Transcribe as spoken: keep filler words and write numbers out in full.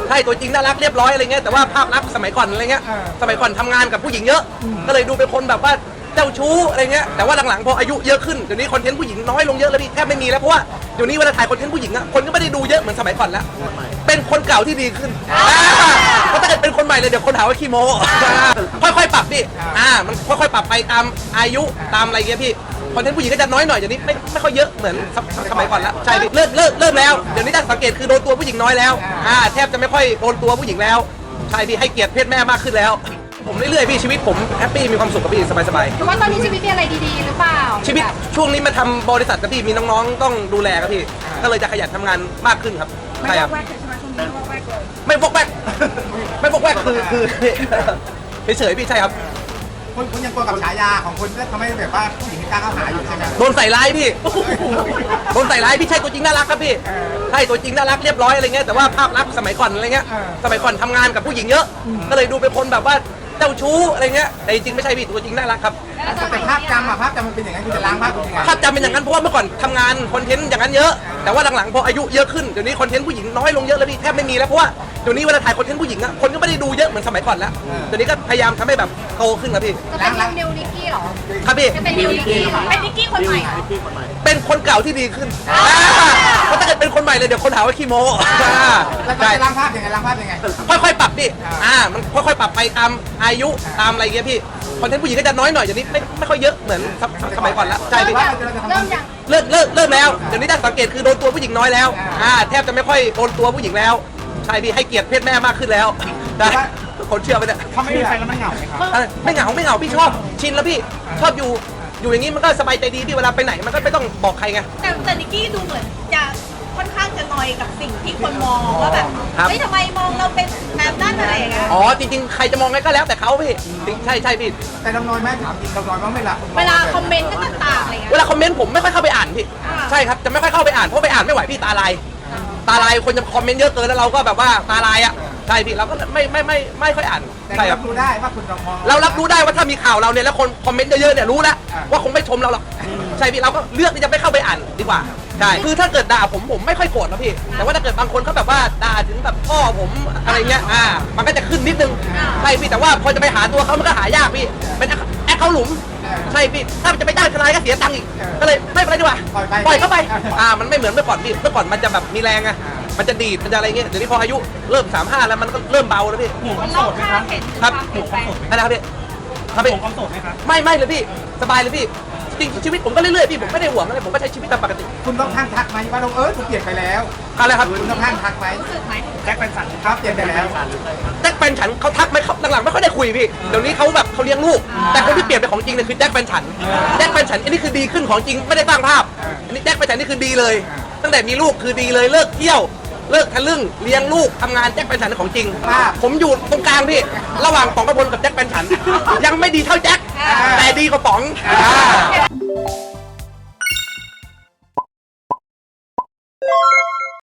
ใช่ตัวจริงน่ารักเรียบร้อยอะไรเงี้ยแต่ว่าภาพลักษณ์สมัยก่อนอะไรเงี้ยสมัยก่อนทำงานกับผู้หญิงเยอะก็เลยดูเป็นคนแบบว่าเจ้าชู้อะไรเงี้ยแต่ว่าหลังๆพออายุเยอะขึ้นเดี๋ยวนี้คอนเทนต์ผู้หญิงน้อยลงเยอะแล้วพี่แทบไม่มีแล้วเพราะว่าเดี๋ยวนี้เวลาถ่ายคอนเทนต์ผู้หญิงอะคนก็ไม่ได้ดูเยอะเหมือนสมัยก่อนแล้วเป็นคนเก่าที่ดีขึ้นเพราะถ้าเกิดเป็นคนใหม่เลยเดี๋ยวคนหาว่าขี้โม้ค่อยๆปรับพี่อ่ามันค่อยๆปรับไปตามอายุตามอะไรเงี้ยพี่คอนเทนต์ผู้หญิงก็จะน้อยหน่อยเดี๋ยวนี้ไม่ไม่ค่อยเยอะเหมือนสมัยก่อนแล้วใช่พี่เลิกเลิกเริ่มแล้วเดี๋ยวนี้ถ้าสังเกตคือโดนตัวผู้หญิงน้อยแล้วอ่าแทบจะไม่ค่อยโดนตัวผู้หญิงแล้วใช่พี่ให้เกียรติเพศแม่มากขึ้นแล้วผมเรื่อยๆพี่ชีวิตผมแฮปปี้มีความสุขกับพี่สบายๆหรือว่าตอนนี้ชีวิตมีอะไรดีๆหรือเปล่าชีวิตช่วงนี้มาทำบริษัทกับพี่มีน้องๆต้องดูแลครับพี่ก็เลยจะขยันทำงานมากขึ้นครับไม่วอกแวกใช่ไหมช่วงนี้ไม่วอกแวกเลยไม่วอกแวกไม่วอกแวกคือคือเฉยๆพี่ใช่ครับคุณคุณยังกลัวกับฉายาของคุณที่ทำให้แบบว่าผู้หญิงไม่กล้าเข้าหาอยู่ใช่ไหมโดนใส่ร้ายพี่โดนใส่ร้ายพี่ใช่ตัวจริงน่ารักครับพี่ใช่ตัวจริงน่ารักเรียบร้อยอะไรเงี้ยแต่ว่าภาพลักษณ์สมัยก่อนอะไรเงี้ยสมัยก่อนทำงานกับผู้หญิงเยอะก็เลยดูเป็นคนแบบว่าเจ้าชู้อะไรเงี้ยแต่จริงๆไม่ใช่พี่ตัวจริงน่ารักครับแต่ภาพจำอะภาพจำมันเป็นอย่างนั้นคุณจะล้างภาพเป็นยังไงภาพจำเป็นอย่างนั้นเพราะว่าเมื่อก่อนทำงานคอนเทนต์อย่างนั้นเยอะแต่ว่าหลังๆพออายุเยอะขึ้นเดี๋ยวนี้คอนเทนต์ผู้หญิงน้อยลงเยอะแล้วพี่แทบไม่มีแล้วเพราะว่าเดี๋ยวนี้เวลาถ่ายคอนเทนต์ผู้หญิงอะคนก็ไม่ได้ดูเยอะเหมือนสมัยก่อนแล้วเดี๋ยวนี้ก็พยายามทำให้แบบโตขึ้นครับพี่จะเป็นนิวนิกกี้หรอครับพี่จะเป็นนิวนิกกี้เป็นนิกกี้คนใหม่เป็นคนเก่าที่ดีขึ้นเพราะถ้าเกิดเป็นคนใหม่เลยเดี๋ยวคนหาว่าขี้โม้แล้วจะล้างภาพยังไงล้างภาพยังไงค่อยๆปรับพี่อ่ามันค่อยๆปรับไปตามอายุตามอะไรเงี้ยพี่คอนเทนต์ผู้หญิงก็จะน้อยหน่อยเดี๋ยวนี้ไม่ไม่ค่อยเยอะเหมือนสมัยก่อนแล้วใช่พี่เริ่มยังเลิกเลิกเริ่มแล้วเดี๋ยวนี้ถ้าสังเกตคือโดนตัวผู้หญิงน้อยแล้วอ่าแทบจะไม่ค่อยโดนตัวผู้หญิงแล้วใช่พี่ให้เกียรติเพศแม่มากขึ้นแล้วได้คนเชื่อไปเนี่ยเขาไม่มีใครแล้วมันเหงาไหมครับไม่เหงาไม่เหงาพี่ชอบชินแล้วพี่ชอบอยู่อยู่อย่างนี้มันก็สบายใจดีพี่เวลาไปไหนมันก็ไม่ต้องบอกใครไงแต่แต่นิกกี้ดูเหมือนจะค่อนข้างจะนอยกับสิ่งที่คนมองว่าแบบเฮ้ยทำไมมองเราเป็นแบบนั้นอะไรอย่างเงี้ยอ๋อจริงๆใครจะมองไงก็แล้วแต่เขาพี่ใช่ใช่พี่แต่น้องน้อยแม่ถามจริงน้องน้อยว่าไม่ละเวลาคอมเมนต์ต่างๆอะไรเงี้ยเวลาคอมเมนต์ผมไม่ค่อยเข้าไปอ่านพี่ใช่ครับจะไม่ค่อยเข้าไปอ่านเพราะไปอ่านไม่ไหวพี่ตาลายตาลายคนจะคอมเมนต์เยอะเกินแล้วเราก็แบบว่าตาลายอ่ะใช่พี่เราก็ไม่ไม่ไม่ไม่ค่อยอ่านใช่ครับรู้ได้ว่าคุณมองเรารับรู้ได้ว่าถ้ามีข่าวเราเนี่ยแล้วคนคอมเมนต์เยอะๆเนี่ยรู้แล้วว่าคงไม่ชมเราหรอกใช่พี่เราก็เลือกที่จะไม่เข้าไปอ่านดีกว่าใช่คือถ้าเกิดด่าผมผมไม่ค่อยโกรธนะพี่แต่ว่าถ้าเกิดบางคนเขาแบบว่าด่าถึงแบบพ่อผมอะไรเงี้ยอ่ามันก็จะขึ้นนิดนึงใช่พี่แต่ว่าพอจะไปหาตัวเขามันก็หายากพี่เป็นแอคเขาหลุมใช่พี่ถ้าจะไปจ้างทนายก็เสียตังค์อีกก็เลยไม่เป็นไรดีกว่าปล่อยเข้าไปอ่ามันไม่เหมือนเมื่อก่อนพี่เมื่อก่อนมันจะแบบมีแรงไงมันจะดีดมันจะอะไรเงี้ยเดี๋ยวนี้พออายุเริ่มสามห้าแล้วมันก็เริ่มเบาแล้วพี่หมูความโสดไหมครับครับหมูความโสดนะครับพี่ครับพี่หมูความโสดไหมครับไม่ไม่เลยพี่สบายเลยพี่จริงชีวิตผมก็เรื่อยๆพี่ผมไม่ได้ห่วงอะไรผมก็ใช้ชีวิตตามปกติคุณต้องทักทักไหมว่าน้องเอิร์ธคุณเปลี่ยนไปแล้วอะไรครับคุณต้องทักทักไหมรู้สึกไหมแจ็คเป็นสันครับเปลี่ยนไปแล้วแจ็คแฟนฉันเขาทักไหมเขาหลังๆไม่ค่อยได้คุยพี่เดี๋ยวนี้เขาแบบเขาเลี้ยงลูกแต่คนที่เปลี่ยนเป็นของจริงเนี่ยคือแจ็คแฟนฉันแจ็คแฟนฉันอันนี้คือดีขึ้นของจริงไม่ได้สร้างภาพอันนี้แจ็คแฟนฉันนี่คือดีเลยตั้งแต่มีลูกคือดีเลยเลิกเที่ยวเลิกทะลึ่งเลี้ยงลูกทำงานแจ็คแฟนฉันของจริงผมอยู่ตรงกลางพี่ระหว่างป๋องกระพลกับแจ็คแฟนฉันยังไม่ดีเท่าแจ็คแต่ดีกว่าป๋อง